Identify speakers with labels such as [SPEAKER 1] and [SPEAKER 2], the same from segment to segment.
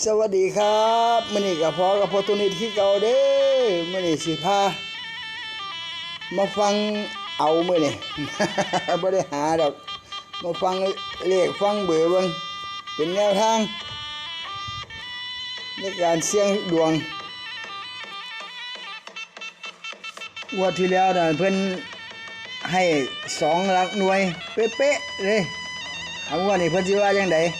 [SPEAKER 1] สวัสดีครับมื้อนี้ก็พอกับพอตุนิดคือเก่าเด้อมื้อนี้สิพามาฟังเอามื้อนี้ บ่ได้หาดอกมาฟังเลขฟังเบอร์เบิ่งเป็นแนวทางในการเสี่ยงดวงงวดที่แล้วน่ะเพิ่นให้2หลักหน่วยเป๊ะๆเลยเอางวดนี้เพิ่นสิว่าจังได๋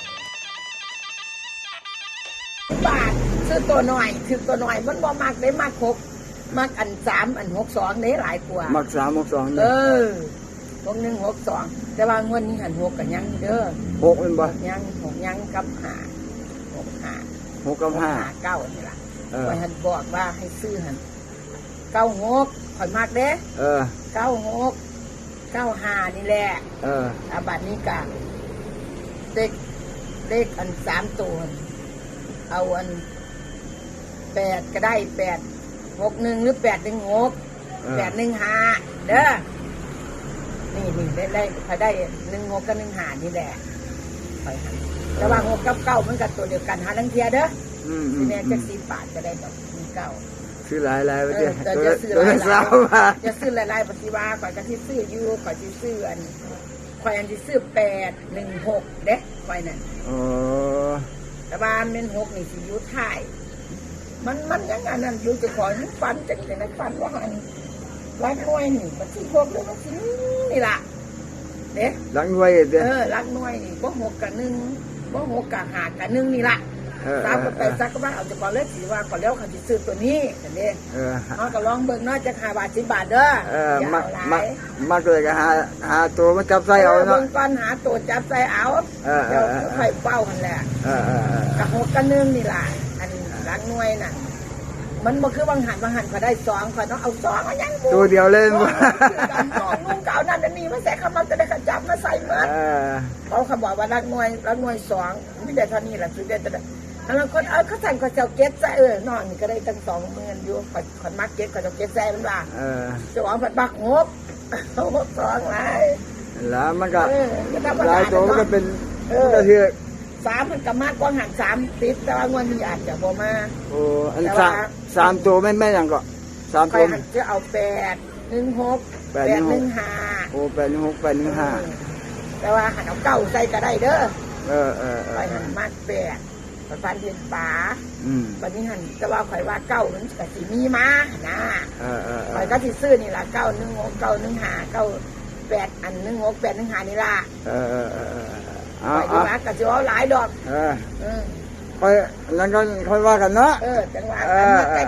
[SPEAKER 2] บาทซื้อตัวหน่อยคือตัวหน่อยมันบ่มักได้มักหกมักอัน3อัน62ได้หลายกว่า
[SPEAKER 1] มัก3มัก2
[SPEAKER 2] 6162แต่ว่างวดนี้หัน6กันยังเด้อ
[SPEAKER 1] 6แม่นบ่
[SPEAKER 2] ยัง6ยังกับ5
[SPEAKER 1] 6กับ5
[SPEAKER 2] 9นี่ล่ะข่อยหันบอกว่าให้ซื้อหัน96ข่อยมักเด้96 95นี่แหละบัดนี้ก็เลขอัน3ตัวเอาอัน8ก็ได้861หรือ816 815เด้อนี่ได้เขาได้16กับ15นี่แหละไปหันแต่ว่า6กับ9มันก็ตัวเดียวกันหาลังเทียเด้อที่แม่จัก10 บาทก็ได้แบบ9
[SPEAKER 1] ซื้อหลายๆไปเด้อ
[SPEAKER 2] จะซื้อหลายๆปฏิว่าข่อยก็สิซื้ออยู่ข่อยสิซื้ออันข่อยอันสิซื้อ816เด้ข่อยนั่นแต่ว่าเม่น6นี่สิอยู่ท้ายมันยังอันนั้นอยู่จะขอฟันจังได๋ฟันว่าหันรักหน่วยนี่มันสิพวกเรื่องมันสินี่ล่ะเด้
[SPEAKER 1] รักหน่วยเด้
[SPEAKER 2] รักหน่วยนี่บ่6กับ1บ่6กับ5กับ1นี่ล่ะ3กับ8ซักก็ว่าเอาจะก่อนเลยสิว่าก่อนแล้วเขาสิซื้อตัวนี้กันเด้เฮาก็ลองเบิ่งเนาะจัก5 บาท10 บาทเด้อ
[SPEAKER 1] มาเลยก็หาตัวมาจับใส่เอาเนาะ
[SPEAKER 2] เบิ่งก่อนหาตัวจับใส่เอาเดี๋ยวค่อยเป้ากันแหละกับ6กับ1นี่ล่ะอันรักหน่วยน่ะมันบ่คือบางหันก็ได้2ข่อยต้องเอา2เอายัง
[SPEAKER 1] ตัวเดียวเล่นบ่
[SPEAKER 2] 2ลุงเก่านั่นนี่มันใส่เข้ามาจะได้ขจับมาใส่หมดเขาบอกว่ารักหน่วย2มีแต่เท่านี้ล่ะสุดเด็ดแล้วคนเขาสั่งเขาเจ้าเก็ตใส่น้องนี่ก็ได้ตั้ง20,000อยู่ข่อยมักเก็ตเขาเจ้าเก็ตใส่มันว่าเจ้าของผัดบักงบ2หลาย
[SPEAKER 1] แล้วมันก็หลายตัวก็เป็นก็คือ
[SPEAKER 2] 3มันก็มากกว่าหัน30แต่ว่างวดนี้อาจจะบ่มา
[SPEAKER 1] อัน3ตัวไม่อย่างก็3ตัว
[SPEAKER 2] จะเอา816 815
[SPEAKER 1] 816 815
[SPEAKER 2] แต่ว่าหันเอา9ใส่ก็ได้เด้อไปหันมาก8ประสานเรียนป๋าวันนี้หันแต่ว่าข่อยว่า9นั้นก็สิมีมานะข่อยก็สิซื้อนี่ล่ะ916 915 98อัน16 815นี่ล่ะไปดีมากกับจะเอาหลายดอก
[SPEAKER 1] ค่อยแล้วก็ค่อยว่ากันเนาะ
[SPEAKER 2] จังหวะกัน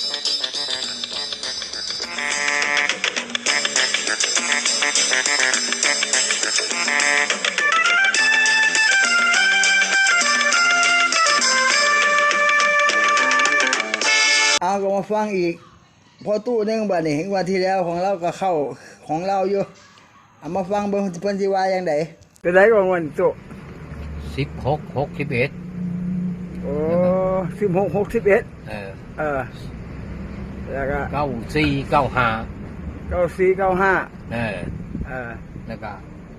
[SPEAKER 1] ก็มาฟังอีกพอตู้นึงบัดนี้วันที่แล้วของเราก็เข้าของเราอยู่เอามาฟังเบิ่งเพิ่นสิว่าจังได๋ไปได้ก่อนวันตู้
[SPEAKER 3] 16 61
[SPEAKER 1] 16 61แล้วก็
[SPEAKER 3] 94 95
[SPEAKER 1] 94 95
[SPEAKER 3] แล้วก็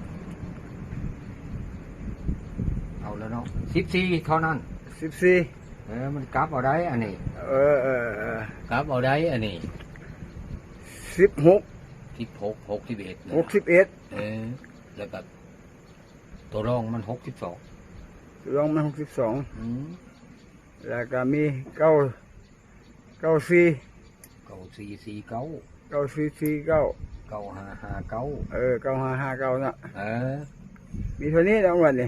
[SPEAKER 3] เอาแล้วเนาะ14เท่านั้น
[SPEAKER 1] 14
[SPEAKER 3] มันกลับเอาได้อันนี้กลับเอาได้อันนี้16 61แล้วก็ตัวรองมัน62
[SPEAKER 1] รองมัน62แล้วก็มี94
[SPEAKER 3] 9449
[SPEAKER 1] 9449
[SPEAKER 3] 9559
[SPEAKER 1] 9559น่ะมีเท่านี้แล้ววันนี้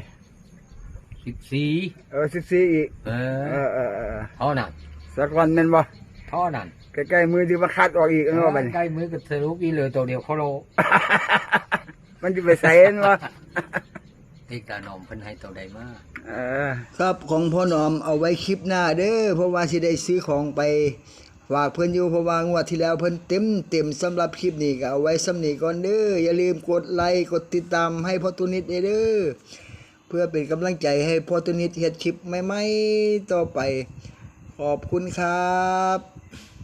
[SPEAKER 3] 14
[SPEAKER 1] 14อีก
[SPEAKER 3] เท่านั้น
[SPEAKER 1] สักวันแม่นบ่
[SPEAKER 3] เท่านั้น
[SPEAKER 1] ใกล้ๆมือที่มาคัดออกอีกเนาะบัดนี้
[SPEAKER 3] ใกล้มือก็สรุปอีเหลือตัวเดียวโคโล
[SPEAKER 1] มันสิไปใส่เห็นบ่
[SPEAKER 3] ที่ตาหนอมเพิ่นให้ตัวใดมา
[SPEAKER 1] ครับของพ่อหนอมเอาไว้คลิปหน้าเด้อเพราะว่าสิได้ซื้อของไปฝากเพิ่นอยู่เพราะว่างวดที่แล้วเพิ่นเต็มสำหรับคลิปนี้ก็เอาไว้สำนี้ก่อนเด้ออย่าลืมกดไลค์กดติดตามให้พ่อตุนิดเด้อเพื่อเป็นกำลังใจให้พ่อตุนิดเฮ็ดคลิปใหม่ๆต่อไปขอบคุณครับ